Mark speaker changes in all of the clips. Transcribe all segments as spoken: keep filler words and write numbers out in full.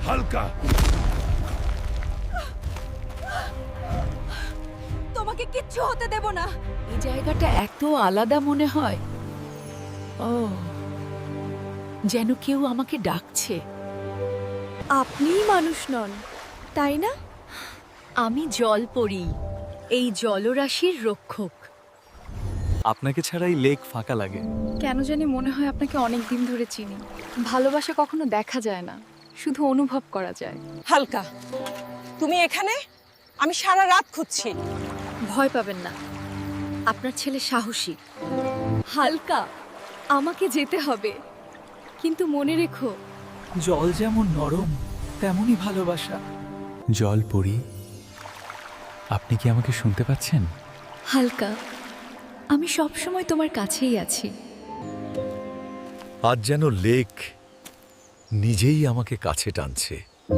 Speaker 1: হালকা,
Speaker 2: তোমাকে কিচ্ছু হতে দেব না। এই জায়গাটা এত আলাদা মনে হয়। ও, যেন কেউ আমাকে ডাকছে।
Speaker 3: আপনিই মানুষ নন, তাই না?
Speaker 2: আমি জলপরী, এই জলরাশির রক্ষক।
Speaker 4: আপনাকে ছাড়া এই লেক ফাঁকা লাগে।
Speaker 3: কেন জানি মনে হয় আপনাকে অনেক দিন ধরে চিনি। ভালোবাসা কখনো দেখা যায় না, শুধু অনুভব করা যায়।
Speaker 5: হালকা, তুমি এখানে? আমি সারা রাত খুঁজছি।
Speaker 3: ভয় পাবেন না, আপনার ছেলে সাহসী। হালকা, আমাকে যেতে হবে, কিন্তু মনে রেখো
Speaker 4: জল যেমন নরম তেমনই ভালোবাসা। জল পড়ি, আপনি কি আমাকে শুনতে পাচ্ছেন?
Speaker 3: হালকা, আমি সব সময় তোমার কাছেই আছি।
Speaker 1: আজ যেন লেক নিজেই আমাকে কাছে টানছে।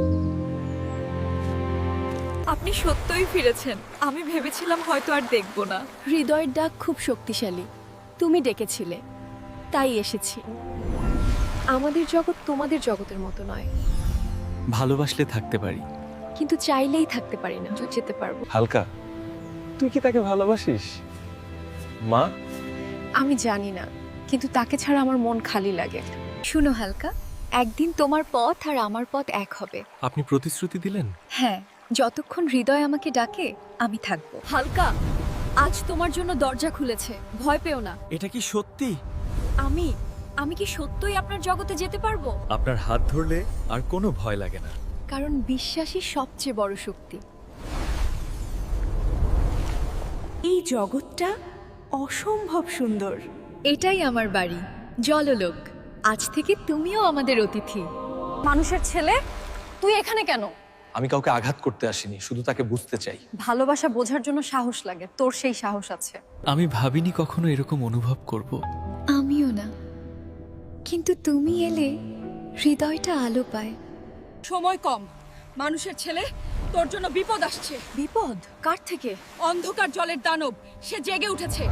Speaker 3: আপনি সত্যই ফিরেছেন। আমি ভেবেছিলাম হয়তো আর দেখব না। হৃদয়ের ডাক খুব শক্তিশালী, তুমি ডেকেছিলে, তাই এসেছি। আমাদের জগৎ তোমাদের জগতের মতো নয়,
Speaker 4: ভালোবাসলে থাকতে পারি,
Speaker 3: কিন্তু চাইলেই থাকতে পারি না, যেতে পারবো।
Speaker 4: হালকা, তুই কি তাকে ভালোবাসিস? মা,
Speaker 3: আমি জানি না, কিন্তু তাকে ছাড়া আমার মন খালি লাগে। শুনো হালকা, একদিন তোমার পথ আর আমার পথ এক হবে।
Speaker 4: আপনি প্রতিশ্রুতি দিলেন?
Speaker 3: হ্যাঁ, যতক্ষণ হৃদয় আমাকে ডাকে আমি থাকবো। হালকা, আজ তোমার জন্য দরজা খুলেছে, ভয় পেও না।
Speaker 4: এটা কি সত্যি?
Speaker 3: আমি আমি কি সত্যই আপনার জগতে যেতে পারবো?
Speaker 4: আপনার হাত ধরলে আর কোনো ভয় লাগে না।
Speaker 3: কারণ বিশ্বাসই সবচেয়ে বড় শক্তি।
Speaker 2: এই জগৎটা অসম্ভব সুন্দর।
Speaker 3: এটাই আমার বাড়ি, জললোক। আজ থেকে তুমিও আমাদের অতিথি। মানুষের ছেলে, তুই এখানে কেন?
Speaker 4: আমি কাউকে আঘাত করতে আসিনি, শুধু তাকে বুঝতে চাই।
Speaker 3: ভালোবাসা বোঝার জন্য সাহস লাগে, তোর সেই সাহস আছে।
Speaker 4: আমি ভাবিনি কখনো এরকম অনুভব করব।
Speaker 3: আমিও না, কিন্তু তুমি এলে হৃদয়টা আলো পায়।
Speaker 2: সময় কম। মানুষের ছেলে, তোর জন্য বিপদ আসছে।
Speaker 3: বিপদ? কার থেকে?
Speaker 2: অন্ধকার জলের দানব, সে জেগে উঠেছে।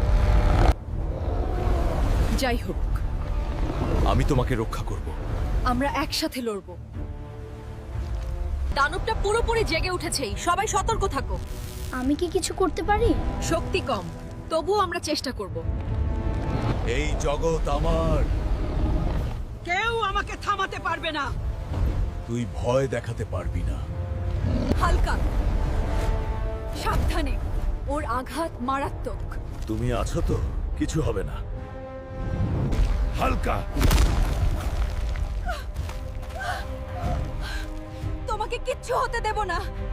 Speaker 2: যাই হোক,
Speaker 1: আমি তোমাকে রক্ষা করব।
Speaker 2: আমরা একসাথে লড়ব। দানবটা পুরোপুরি জেগে উঠেছেই, সবাই সতর্ক থাকো।
Speaker 3: আমি কি কিছু করতে পারি?
Speaker 2: শক্তি কম, তবুও আমরা চেষ্টা করব।
Speaker 1: এই জগৎ আমার,
Speaker 2: কেউ আমাকে থামাতে পারবে না।
Speaker 1: তুই ভয় দেখাতে পারবি না।
Speaker 2: হালকা, সাবধানে, ওর আঘাত মারাত্মক।
Speaker 1: তুমি আছো তো, কিছু হবে না। হালকা,
Speaker 2: তোমাকে কিচ্ছু হতে দেব না।